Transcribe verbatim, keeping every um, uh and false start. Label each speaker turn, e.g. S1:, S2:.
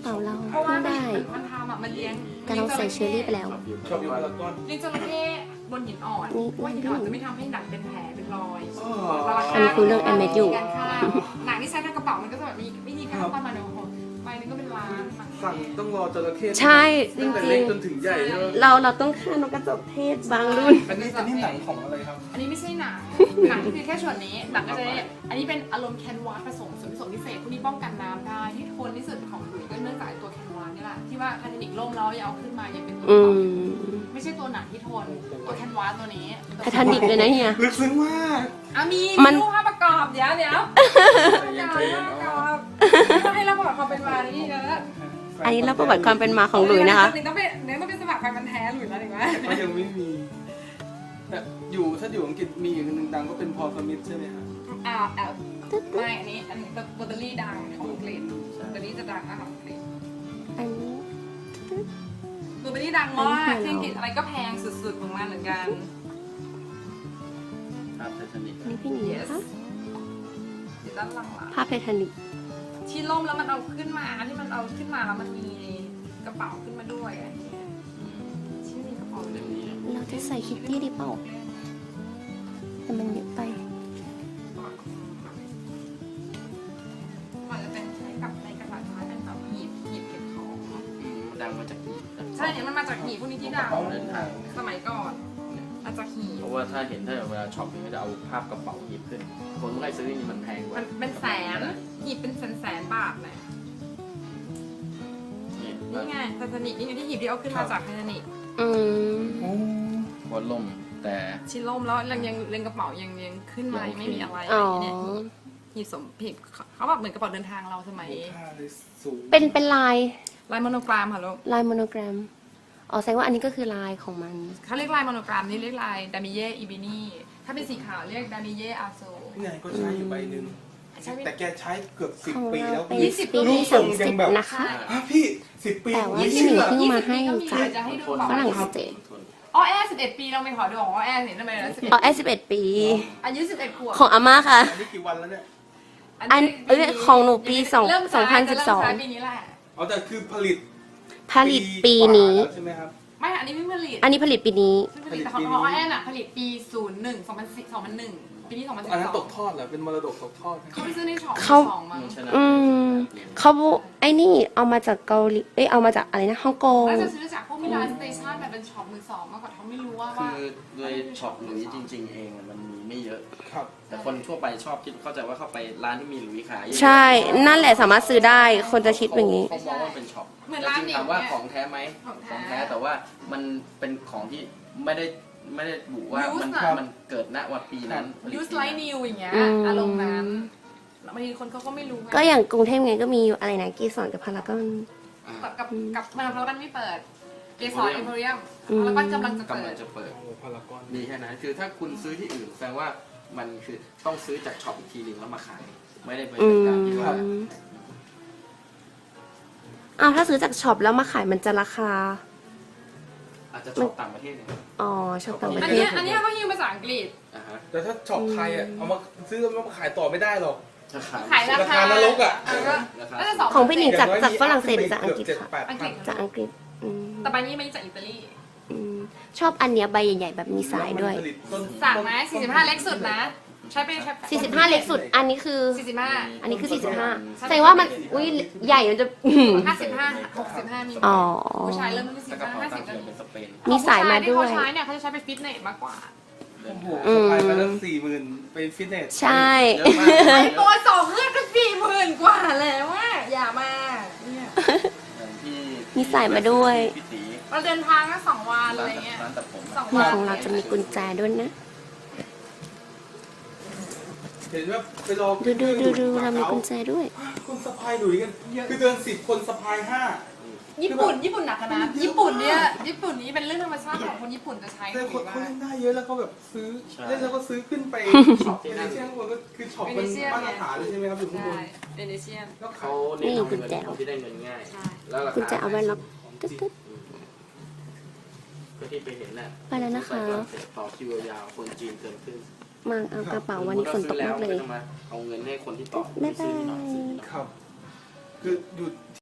S1: เป๋าเรา
S2: เพราะว่า
S1: เพิ่งได้
S2: มันทำอ่ะมันเลี้ยง
S1: แต่เราใส่เชอร์รี่ไปแล้ว
S3: ชอบอยู่พารากอน
S2: เลี้ยงจระเข้บนหินอ่อน
S1: นี่
S2: ว่าหินอ่อนจะไม่ทำให้หนังเป็นแผลเป็นรอย
S3: อ๋อ
S1: อันนี้คือเรื่องแอมเมดอยู่
S2: การฆ่าหนังที่ใช้ในกระเป๋ามันก็จะแบบมีวิธีการประมาณนึงใบนึงก็เป็นล้าน
S3: สั่งต้องรอจระเข้
S1: ใช่จ
S3: ตั้งแต่
S1: ริ
S3: เล็ก
S1: ง
S3: จนถึงใหญ่ใช่ไหม
S1: ๆ เราเราต้องฆ่านกกระจอกเทศบางรุ่น
S3: อันนี้อันนี้หนังของอะไรครับ
S2: อันนี้ไม่ใช่หนังหนังคือแค่ส่วนนี้หนังก็จะได้อันนี้เป็นอารมณ์แคนวาสผสมส่วนผสมพิเศษพวกนี้ป้องกันน้ำได้ที่ทนที่สุดของหลุยส์ก็เนื่องจากตัวแคนวาสนี่แหละที่ว่าไททานิกล่มแล้วยังเอาขึ้นมายังเป็นตัว
S1: อื
S2: ต่อ
S1: ม
S2: ไม่ใช่ตัวหนังที่ทนตัวแคนวาสตัวนี้
S1: ไททานิกเลยนะเฮีย
S3: ลึกซึ้งมาก
S2: อ่ะมี
S1: มัน
S2: รูปภาพประกอบเดี๋ยวเดี๋ยว
S3: ใจเย็นใจเย็น
S2: ภาพประก
S3: อ๋อ
S2: อบให้เราบอกความเป็นมานี่นะ
S1: อันนี้เราประวัติความเป็นมาของหลุยนะคะ
S2: หนึ่งต้องเป็นหนึ่งต้องเป็นสมัครแฟนพันธุ์แท้หลุยแล้วถึงไหม
S3: ก็ยังไม่มีแต่อยู่ถ้าอยู่อังกฤษมีอีกหนึ่งดังก็เป็นพอลสมิธใช่ไหมครับ
S2: อ่าแอลไม่อันนี้อันนี้เบอร์เตอรี่ดังของอังกฤษเบอร์เตอรี่จะดังมากของอังกฤษ
S1: อันนี้
S2: เบอร์เตอรี่ดังมากที่อังกฤษอะไรก็แพงสุดๆของมันเหมือนกัน
S4: ครับไททานิก
S1: อันนี้พี่หนี
S2: yes
S1: นะคะ
S2: อยู่ด้านหลังละ
S1: ภาพไททานิก
S2: ที่ล่มแล้วมันเอาขึ้นมาที่มันเอาขึ้นมาแล้วมันมีกระเป๋าขึ้นมาด้วยอันนี้ที่มีกระเป๋า
S4: เล่มนี้
S1: เราจะใส่คิตตี้ดีเปล่าแต่มันเยอะไป
S2: มันจะเป็นใช้กับในกระดาษไม้เป็นแบบหีบหีบเก็บของ
S4: อืมดังมาจากนี่นะ
S2: ใช่เนี่ยมันมาจากหีบพวกนี้ที่ดัง
S4: เดินทาง
S2: สมัยก่อนมาจากหีบ
S4: เพราะว่าถ้าเห็นถ้าเวลาช็อปเนี่ยก็จะเอาภาพกระเป๋าหยิบขึ้น คนไม่ค่อยซื้อนี่มันแพงกว่า
S2: มันเป็นแสนหีบเป็นแสนแสนบาทเลย
S4: นี่
S2: นี่ไงไททานิกนี่ไงที่หีบที่เอาขึ้นมาจากไททานิก
S1: อืม
S3: โอ้
S4: บอลล่มแต่
S2: ชิ้นล่มแล้วยังยังเรียงกระเป๋ายังยังขึ้นมายังไม่มีอะไร
S1: อ๋อ
S2: เนี่ยหีบสมหีบเขาแบบเหมือนกระเป๋าเดินทางเราสมัย
S3: ค่าเลยสูง
S1: เป็นเป็นลาย
S2: ลายโมโนกรามค่ะลูก
S1: ลายโมโนแกรม อ๋อแสดงว่าอันนี้ก็คือลายของมัน
S2: เขาเรียกลายโมโนกรามนี่เรียกลายดามิเย่อีบินีถ้าเป็นสีขาวเรียกดามิเย่อาโซ
S3: พี่นายก็ใช้อยู่ใบหนึ่ง
S2: ใช้ไม่
S3: แต่แกใช้เกือบสิบ
S1: ของ
S3: ปี
S1: เรา
S3: แล้ว
S1: เป็น
S2: ยี่สิบ
S1: ปีที่
S3: ทร
S1: สาง ม
S3: ยั
S1: สิบ
S3: งแบบ
S1: นะคะ
S3: ฮะพี่สิบปี
S1: แต่ว่า
S3: ไม่
S1: พี่
S3: เชื่
S1: ห
S3: อ
S1: มีเพิ่งมาให้จาก
S2: จะให้ดู
S1: ฝรั่งเศส
S4: ทน
S2: อ๋อแอร์สิบเอ็ดปีเราไปขอดูของอ๋อแอร์เห็นทำไมนะสิบเอ็ด
S1: อ๋อแอสิบเอ็ดปี
S2: อายุสิบเอ็ดขวบ
S1: ของอาม่าค่ะ
S3: อันนี้กี่วันแล้วเนี่ย
S1: อันเอ้ยของหนูปีสอง
S2: เริ่ม
S1: สองพันสิบสอง
S2: เริ่มใช้ปีนี้แหละ
S3: อ๋อแต่คือผลิต
S1: ผลิตปีนี้
S3: กว่าแล้วใช่ไหมครับ
S2: ไม่อันนี้ไม่ผลิต
S1: อันนี้ผลิตปีนี้
S2: ไม่ผลิตแต่ของของอ๋อแอร์น่ะผลิตปีศูนย์หนึ่งสองพันสิบสองพันหนึ่งปีนี้สองพันสิบ
S3: อันนั้น
S2: ส
S3: ต
S2: อง
S3: กทอดเหรอเป็นมรดกตกทอดไหม
S2: เขาไปซื้อในช็อป
S1: เขา
S2: สองมั้ง
S4: ชนะ
S1: อืมเขาไอ้นี่เอามาจากเกาหลี เอ้ยเอามาจากอะไรนะฮ่องกง
S2: น่าจะซื้อจากพวกมิลานสเตชันแบบเป็นช็อปมือสองมากกว่าเขาไม่รู้ว่า
S4: คื
S2: ว่า
S4: อโดยช็อปหลุยส์จริง ๆ เองอะมันมีไม่เยอะ
S3: ครับ
S4: แต่คนทั่วไปชอบคิดเข้าใจว่าเข้าไปร้านที่มีหลุยส์ขายเยอะๆ
S1: ใช่ นั่นแหละสามารถซื้อได้ คนจะคิดอย่างนี้
S4: เขามองว่าเป็นช็อป
S2: เหมือน
S4: แต่
S2: ร้าน
S4: จริง
S2: เด็ก
S4: ถามว่า
S2: เนี่ย
S4: ของแท้ไหม
S2: ของแท้
S4: ของแท้แต่ว่ามันเป็นของที่ไม่ได้ไม่ได้บุว่า
S2: Use
S4: มัน
S2: อะ
S4: มันเกิดณวันปีนั้นผลิต
S2: ยูสไลท์นิวอย่างเงี้ย
S1: อืม
S2: อารมณ์นั้นแล้วบางทีคนเขาก็ไม่รู้ไง
S1: ก็อย่างกรุงเทพไงก็มีอะไรนะกีสอนกับพารากอน
S4: อ่า
S2: กับกับกับมาเพราะมันไม่เปิดเกสรเอ็มโพเรียม
S1: อืม
S2: แล้วก็กำลังจะ
S4: กำ
S2: เปิ
S4: ลั
S2: ด
S4: งจะเปิด
S3: โอ้พารากอน
S4: มีแค่นั้นคือถ้าคุณซื้อที่อื่นแสดงว่ามันคือต้องซื้อจากช็อปอีกทีหนึงแล้วมาขาย ไม่ได้เป็น
S1: อืม
S4: การที่ว่า
S1: อ้าวถ้าซื้อจากช็อปแล้วมาขายมันจะราคา
S4: อาจจะช็อปต่างประเทศเนี่ย
S1: อ๋อช็อปต่างประ
S2: อัน
S1: เท
S2: เนี้
S1: ศ
S2: ยอันเนี้ยเขาฮิ้วภาษาอังกฤษ
S4: อ่าฮะ
S3: แต่ถ้าช็อปไทยอ่ะเอามาซื้อแล้วมาขายต่อไม่ได้หรอก
S4: จะขาย
S2: ขายรา
S3: รา
S2: คา
S3: คานรกอะ
S2: เก็
S4: ราคา
S2: น่าจะสอง
S1: ของพี่หนิง จาก
S3: อย่น้ย
S1: จากฝรั่งเศสห
S3: มี
S1: รือจากอังกฤษ
S3: เจ็ด
S1: ค่ะ
S3: แปด
S2: อังก
S3: พั
S2: ฤ
S3: น
S2: ษ
S1: จากอังกฤษอืม
S2: แต่ใบนี้มาจากอิตาลี
S1: อืมชอบอันเนี้ยใบใหญ่ๆแบบมีสายด้วย
S3: แล้มันผลิตต้น
S2: สั่งไหมสี่สิบห้าเล็กสุดนะ ใช้ไปใช้
S1: สี่สิบห้าเล็กสุด อันนี้คือ
S2: สี่สิบห้า
S1: อันนี้คือสี่สิบห้าแสดงว่ามันอุ้ยใหญ่มันจะ
S2: ห้าสิบห้าหกสิบห้ามี
S1: อ๋อ
S2: ผู้ชายเริ่มที่สี่
S4: แต่
S2: สิบ
S4: กระ
S2: ห้า
S4: เป๋า
S2: ห้า
S4: ตั
S2: สิ
S4: ง
S2: บ
S4: ค์เถื่อนเป็นสเปน
S1: มีสายมาด้วย
S2: ที่เขาใช้เนี่ยเขาจะใช้ไปฟิตเนสมากกว่า
S3: โอ้โห
S1: อืม
S3: สะพายมาตั้งสี่หมื่นไปฟิตเนส
S1: ใช่
S4: เยอะมาก
S2: ไอตัวสองเครื่องก็สี่หมื่นกว่าแล้วว่าอย่ามาเนี่ย
S4: อย่างที่
S1: มีสายมาด้วย
S4: พี่ตี
S2: เราเดินทางแค่สองวันอะไร
S4: ร้าน
S2: เงี้ย
S4: ร้านตัดผม
S2: สอง
S1: นี่ของเราจะมีกุญแจด้วยนะ
S3: เห็นว่าไปรอ
S1: ดูดูดูดูเรามีกุญแจด้วย
S3: คนสะพายหลุยกันคือเดินสิบคนสะพายห้า
S2: ญี่ปุ่นญี่ปุ่นหนักนะญี่ปุ่นเนี่ยญี่ปุ่นนี้เป็นเรื่องธรรมชาติของคนญี่ปุ่นจะใช้
S3: แต่คน
S2: ว่า
S3: เขาเล่นได้เยอะแล้วเขาแบบซื้อเล่นแล้วก็ซื้อขึ้นไปช็อปในเชียงคนก็คือช็อปมันมาตรฐานเลยใช่ไหมครับอยู่ข้างบ
S2: ใช่
S3: น
S2: เดนิเชียน
S3: แล้ว
S4: เขา
S3: เขา
S4: เน้นเอา
S1: นี่กุ
S4: เงิ
S1: ญ
S4: น
S1: แจ
S4: คนที่ได้เงินง่าย
S2: ใช่
S4: แล้วราคา
S1: กุญแจเอาไว้ล็อกตึ๊ดตึ๊ด
S4: ก็ที่ไปเห็นน่ะ
S1: ไปแล้วนะคะ
S4: ต่อคิวยาวคนจีนเกินครึ่ง
S1: มาเอากระเป๋าวันนี้ฝนตกมากเลย
S4: ต้องมาเอาเงินให้คนที่ต่อ
S1: บ๊ายบาย
S4: ซื้อหน่อยซื้อหน่อย
S3: ครับ คืออยู่